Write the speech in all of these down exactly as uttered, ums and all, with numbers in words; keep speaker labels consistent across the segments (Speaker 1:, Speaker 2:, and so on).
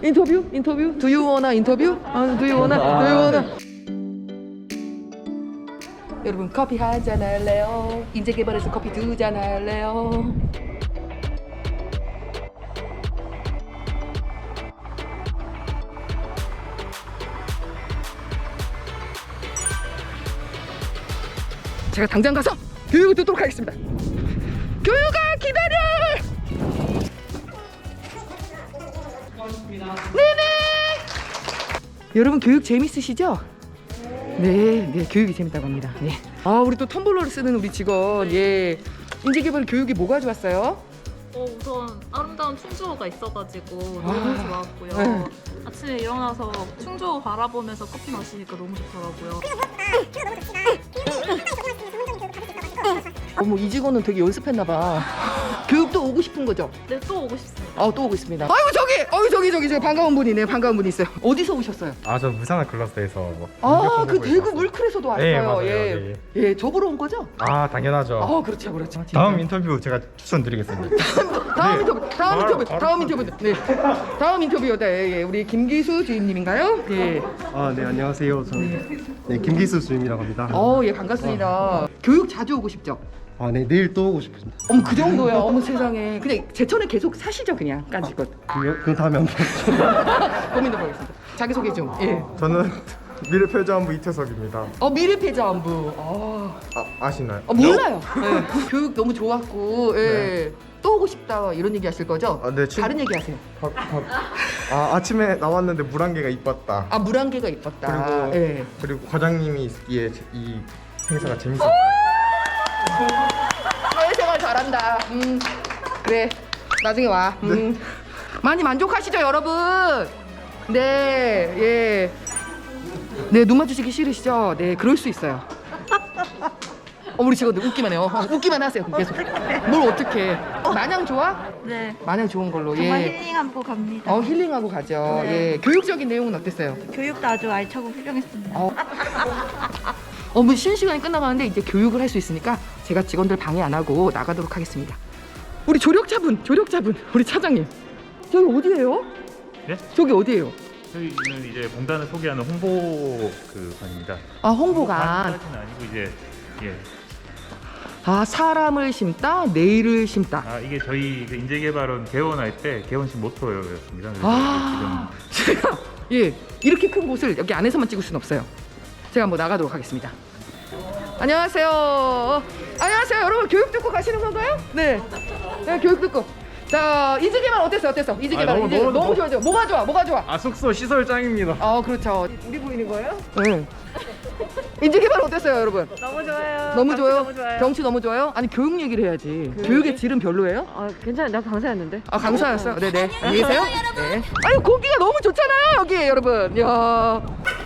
Speaker 1: 인터뷰? 인터뷰? Do you wanna 인터뷰? 아, do you wanna? do you wanna? 여러분 커피 한 잔 할래요? 인재 개발해서 커피 두 잔 할래요? 제가 당장 가서 교육을 듣도록 하겠습니다. 교육아 기다려! 네네! 여러분 교육 재밌으시죠? 네, 네 교육이 재밌다고 합니다. 네. 아 우리 또 텀블러를 쓰는 우리 직원, 예 인재개발 교육이 뭐가 좋았어요?
Speaker 2: 어, 우선 아름다운 충주호가 있어가지고
Speaker 1: 아,
Speaker 2: 너무 좋았고요.
Speaker 1: 네.
Speaker 2: 아침에 일어나서 충주호 바라보면서 커피 마시니까 너무 좋더라고요.
Speaker 1: 어머 이 직원은 되게 연습했나봐. 교육도 오고 싶은 거죠?
Speaker 2: 네, 또 오고 싶습니다.
Speaker 1: 아 또 오고 있습니다. 아이고 저기, 어이 저기 저기 저기 반가운 분이네. 반가운 분이 있어요. 어디서 오셨어요?
Speaker 3: 아, 저 부산의 글라스에서 뭐
Speaker 1: 아 그
Speaker 3: 공부를
Speaker 1: 대구
Speaker 3: 했었어요.
Speaker 1: 물클에서도 왔어요.
Speaker 3: 네, 맞아요.
Speaker 1: 예,
Speaker 3: 네.
Speaker 1: 예, 저 보러 온 거죠?
Speaker 3: 아, 당연하죠.
Speaker 1: 아 그렇죠, 그렇죠.
Speaker 3: 다음 인터뷰 제가 추천드리겠습니다.
Speaker 1: 다음
Speaker 3: 네.
Speaker 1: 인터뷰, 다음
Speaker 3: 바로,
Speaker 1: 인터뷰,
Speaker 3: 바로
Speaker 1: 다음 인터뷰. 네, 다음 인터뷰다. 예, 예. 우리 김기수 주임님인가요? 예.
Speaker 4: 아, 네, 안녕하세요. 저는 네, 김기수 주임이라고 합니다.
Speaker 1: 어, 예, 반갑습니다. 교육 자주 오고 싶죠?
Speaker 4: 아, 네, 내일 또 오고 싶습니다.
Speaker 1: 어머 그 정도야. 어머 세상에. 그냥 제천에 계속 사시죠, 그냥 깐지껏.
Speaker 4: 그, 그 다음에 한번.
Speaker 1: 고민해 보겠습니다. 자기 소개 좀. 예.
Speaker 3: 저는 미래표자원부 이태석입니다.
Speaker 1: 어 미래패자원부. 아,
Speaker 3: 아, 아시나요?
Speaker 1: 어, 몰라요. 예. 교육 너무 좋았고, 예. 또 오고 싶다 이런 얘기 하실 거죠?
Speaker 3: 아, 네, 친-
Speaker 1: 다른 얘기 하세요.
Speaker 3: 밥, 밥. 아, 아침에 나왔는데 물 한 개가 이뻤다.
Speaker 1: 아 물안개가 이뻤다.
Speaker 3: 그리고
Speaker 1: 예.
Speaker 3: 그리고 과장님이 있기에 이 행사가 재밌었다.
Speaker 1: 사회생활 잘한다. 음, 그래. 나중에 와. 음. 많이 만족하시죠, 여러분? 네, 예. 네, 눈 마주치기 싫으시죠? 네, 그럴 수 있어요. 어, 우리 직원들 웃기만 해요. 어, 웃기만 하세요. 계속. 뭘 어떻게? 마냥 좋아?
Speaker 2: 네,
Speaker 1: 마냥 좋은 걸로.
Speaker 2: 정말
Speaker 1: 예.
Speaker 2: 힐링하고 갑니다.
Speaker 1: 어, 힐링하고 가죠.
Speaker 2: 네.
Speaker 1: 예. 교육적인 내용은 어땠어요?
Speaker 2: 교육도 아주 알차고 훌륭했습니다.
Speaker 1: 어. 어, 뭐 쉬는 시간이 끝나가는데 이제 교육을 할 수 있으니까 제가 직원들 방해 안 하고 나가도록 하겠습니다. 우리 조력자분, 조력자분, 우리 차장님. 저기 어디예요?
Speaker 5: 네?
Speaker 1: 저기 어디예요?
Speaker 5: 저희는 이제 공단을 소개하는 홍보 그 관입니다.
Speaker 1: 아, 홍보관.
Speaker 5: 홍보관까지는 아니고 이제 예.
Speaker 1: 아, 사람을 심다, 내일을 심다.
Speaker 5: 아 이게 저희 그 인재개발원 개원할 때 개원식 모토였습니다. 그래서
Speaker 1: 아, 제가 예 이렇게 큰 곳을 여기 안에서만 찍을 수는 없어요. 제가 한번 나가도록 하겠습니다. 안녕하세요. 안녕하세요. 여러분 교육 듣고 가시는 건가요? 네. 네, 교육 듣고. 자, 인재개발 어땠어? 어땠어? 인재개발.
Speaker 3: 아, 너무,
Speaker 1: 인재,
Speaker 3: 너무,
Speaker 1: 너무
Speaker 3: 너무-
Speaker 1: 좋아져. 뭐가 좋아? 뭐가 좋아?
Speaker 3: 아, 숙소 시설 짱입니다.
Speaker 1: 아, 그렇죠. 우리 보이는 거예요? 네. 인재개발 어땠어요, 여러분?
Speaker 2: 너무 좋아요.
Speaker 1: 너무 좋아요?
Speaker 2: 너무 좋아요.
Speaker 1: 경치 너무 좋아요? 아니 교육 얘기를 해야지. 교육의 질은 별로예요?
Speaker 6: 아 괜찮아, 나 강사였는데.
Speaker 1: 아 강사였어요? 네네. 안녕히 계세요. 네. 아유 고기가 너무 좋잖아요 여기 여러분. 야.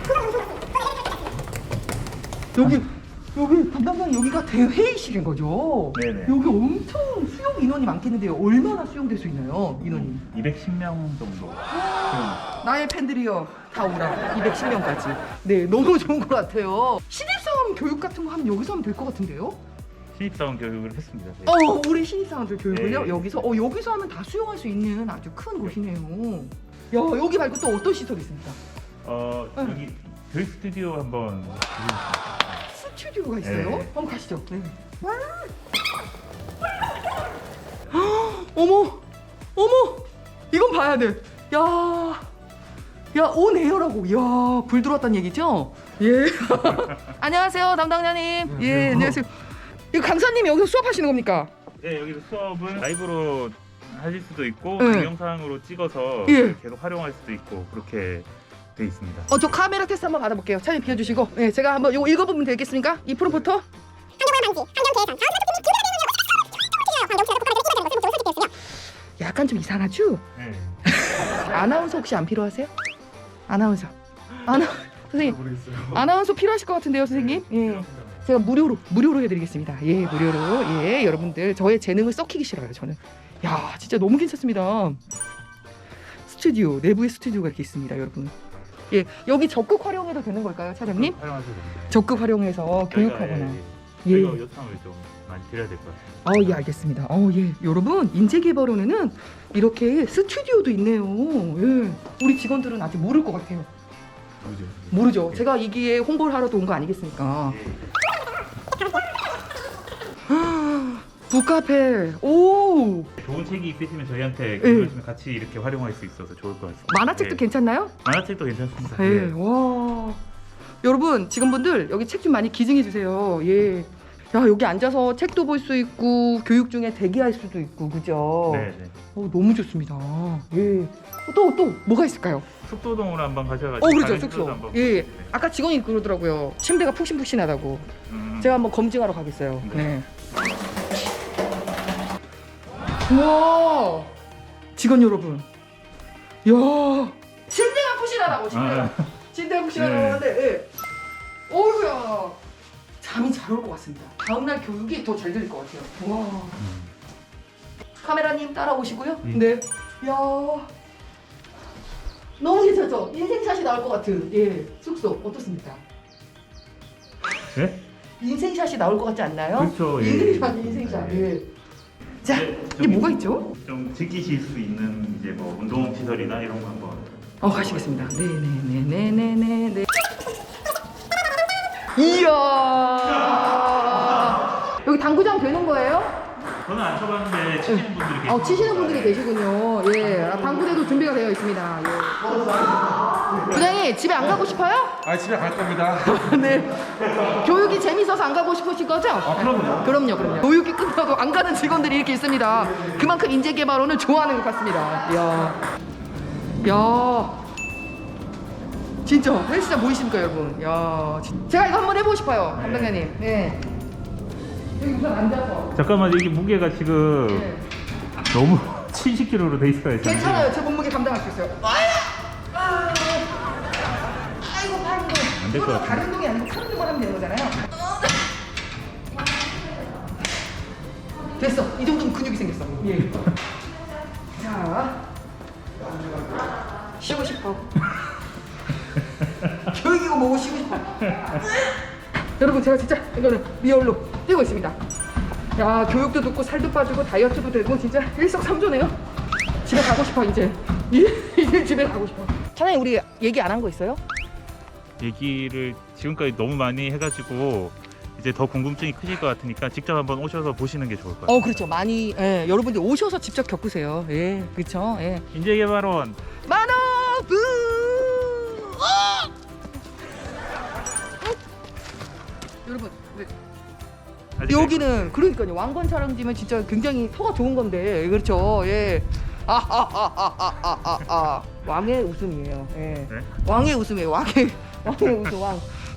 Speaker 1: 여기 여기 담당자님 여기가 대회의실인 거죠?
Speaker 5: 네네.
Speaker 1: 여기 엄청 수용 인원이 많겠는데요. 얼마나 수용될 수 있나요 인원이?
Speaker 5: 이백십 명 정도.
Speaker 1: 나의 팬들이요 다 오라. 이백십 명까지. 네 너무 좋은 것 같아요. 신입사원 교육 같은 거 하면 여기서 하면 될 것 같은데요?
Speaker 5: 신입사원 교육을 했습니다. 네.
Speaker 1: 어, 우리 신입사원들 교육을요?
Speaker 5: 네.
Speaker 1: 여기서? 어, 여기서 하면 다 수용할 수 있는 아주 큰 곳이네요. 야, 여기 말고 또 어떤 시설이 있습니까?
Speaker 5: 어 여기 교육 스튜디오 한번 보여주시겠어요?
Speaker 1: 스튜디오가 있어요?
Speaker 5: 네.
Speaker 1: 한번 가시죠. 네. 헉, 어머, 어머, 이건 봐야 돼. 야, 야, 온에어라고. 야, 불 들어왔다는 얘기죠? 예. 안녕하세요, 담당자님. 예, 안녕하세요. 이거 강사님이 여기서 수업하시는 겁니까?
Speaker 5: 네 여기서 수업을 라이브로 하실 수도 있고
Speaker 1: 네.
Speaker 5: 동영상으로 찍어서
Speaker 1: 예.
Speaker 5: 계속 활용할 수도 있고 그렇게 돼 있습니다.
Speaker 1: 어, 저 카메라 테스트 한번 받아볼게요. 차님 비워주시고. 네, 제가 한번 이거 읽어보면 되겠습니까? 이 프롬프터. 약간 좀 이상하죠?
Speaker 5: 네.
Speaker 1: 아나운서 혹시 안 필요하세요? 아나운서. 아나 선생님.
Speaker 3: 모르겠어요.
Speaker 1: 아나운서 필요하실 것 같은데요, 선생님? 예. 제가 무료로 무료로 해드리겠습니다. 예, 무료로. 예, 여러분들 저의 재능을 썩히기 싫어요, 저는. 야, 진짜 너무 괜찮습니다. 스튜디오 내부에 스튜디오가 이렇게 있습니다, 여러분. 예, 여기 적극 활용해도 되는 걸까요, 차장님?
Speaker 5: 활용하셔도 됩니다.
Speaker 1: 적극 활용해서 교육하거나.
Speaker 5: 저희가, 예,
Speaker 1: 예.
Speaker 5: 저희가 요청을 좀 많이 드려야 될 것 같아요.
Speaker 1: 어, 예, 알겠습니다. 어, 예. 여러분, 인재개발원에는 이렇게 스튜디오도 있네요. 예. 우리 직원들은 아직 모를 것 같아요.
Speaker 5: 그죠?
Speaker 1: 모르죠. 제가 이기에 홍보를 하러 온 거 아니겠습니까? 북카페. 오!
Speaker 5: 좋은 책이 있으시면 저희한테
Speaker 1: 예.
Speaker 5: 읽으시면 같이 이렇게 활용할 수 있어서 좋을 것 같습니다.
Speaker 1: 만화책도
Speaker 5: 네.
Speaker 1: 괜찮나요?
Speaker 5: 만화책도 괜찮습니다.
Speaker 1: 예.
Speaker 5: 네.
Speaker 1: 와. 여러분, 직원분들 여기 책 좀 많이 기증해 주세요. 예. 야, 여기 앉아서 책도 볼 수 있고 교육 중에 대기할 수도 있고. 그죠?
Speaker 5: 네, 네.
Speaker 1: 어, 너무 좋습니다. 예. 또 또 뭐가 있을까요?
Speaker 5: 숙소동으로 한번 가셔가지고.
Speaker 1: 어, 그렇죠.
Speaker 5: 다른
Speaker 1: 숙소.
Speaker 5: 숙소도 한번
Speaker 1: 예.
Speaker 5: 보시고.
Speaker 1: 아까 직원이 그러더라고요. 침대가 푹신푹신하다고.
Speaker 5: 음.
Speaker 1: 제가 한번 검증하러 가겠어요.
Speaker 5: 네.
Speaker 1: 네. 우와! 직원 여러분. 야, 침대가 푹신하다고, 침대가.
Speaker 5: 아.
Speaker 1: 침대가 푹신하다고
Speaker 5: 네.
Speaker 1: 하는데, 예. 어우야. 잠이 잘 올 것 같습니다. 다음날 교육이 더 잘 될 것 같아요. 와.
Speaker 5: 음.
Speaker 1: 카메라님 따라오시고요.
Speaker 5: 예.
Speaker 1: 네. 야. 너무 괜찮죠? 인생샷이 나올 것 같은, 예. 숙소 어떻습니까?
Speaker 5: 네?
Speaker 1: 인생샷이 나올 것 같지 않나요?
Speaker 5: 그렇죠, 예.
Speaker 1: 인생샷, 인생샷.
Speaker 5: 네.
Speaker 1: 예. 자,
Speaker 5: 네,
Speaker 1: 이게
Speaker 5: 저기
Speaker 1: 뭐가 있죠?
Speaker 5: 좀 즐기실 수 있는 이제 뭐 운동 시설이나 이런 거 한번.
Speaker 1: 어, 가시겠습니다. 네네네네네네. 이야. 여기 당구장 되는 거예요?
Speaker 5: 저는 안 쳐봤는데 치시는 분들이 계세요.
Speaker 1: 어, 치시는 분들이 계시군요. 예, 아, 당구대도 준비가 되어 있습니다. 예. 부장님, 집에 안 가고 싶어요?
Speaker 3: 아 집에 갈 겁니다.
Speaker 1: 네. 교육이 재밌어서 안 가고 싶으신 거죠? 아,
Speaker 3: 그럼요.
Speaker 1: 그럼요, 그럼요. 교육이 끝나도 안 가는 직원들이 이렇게 있습니다. 그만큼 인재개발원을 좋아하는 것 같습니다. 이야. 야. 진짜 헬스장 보이십니까, 여러분? 야. 진- 제가 이거 한번 해보고 싶어요, 담당자님. 네. 여기 우선 앉아서.
Speaker 5: 잠깐만 이게 무게가 지금
Speaker 1: 네.
Speaker 5: 너무 칠십 킬로그램로 돼 있어요. 지금.
Speaker 1: 괜찮아요. 제 몸무게 감당할 수 있어요. 아, 아이고, 팔 운동.
Speaker 5: 안될것
Speaker 1: 이거는
Speaker 5: 같은데.
Speaker 1: 다른 운동이 아니고 팔 운동만 하면 되는 거잖아요. 됐어. 이 정도면 근육이 생겼어. 예. 자, 쉬고 싶어. 교육이고 뭐고 쉬고 싶어. 여러분, 제가 진짜 이거는 리얼로 뛰고 있습니다. 야, 교육도 듣고 살도 빠지고 다이어트도 되고 진짜 일석삼조네요. 집에 가고 싶어 이제. 이제 집에 가고 싶어. 차장님, 우리 얘기 안 한 거 있어요?
Speaker 5: 얘기를 지금까지 너무 많이 해가지고 이제 더 궁금증이 크실 것 같으니까 직접 한번 오셔서 보시는 게 좋을 것 같아요.
Speaker 1: 어, 그렇죠. 많이, 예, 여러분들 오셔서 직접 겪으세요. 예, 그렇죠. 예.
Speaker 5: 인재개발원
Speaker 1: 만화부. 어! 여러분, 네.
Speaker 5: 아직
Speaker 1: 여기는 그러니까요. 왕건 촬영지면 진짜 굉장히 터가 좋은 건데, 그렇죠. 예. 아하하하하하하. 왕의 웃음이에요. 예.
Speaker 5: 네?
Speaker 1: 왕의 웃음이에요. 왕의 왕의 웃음 왕.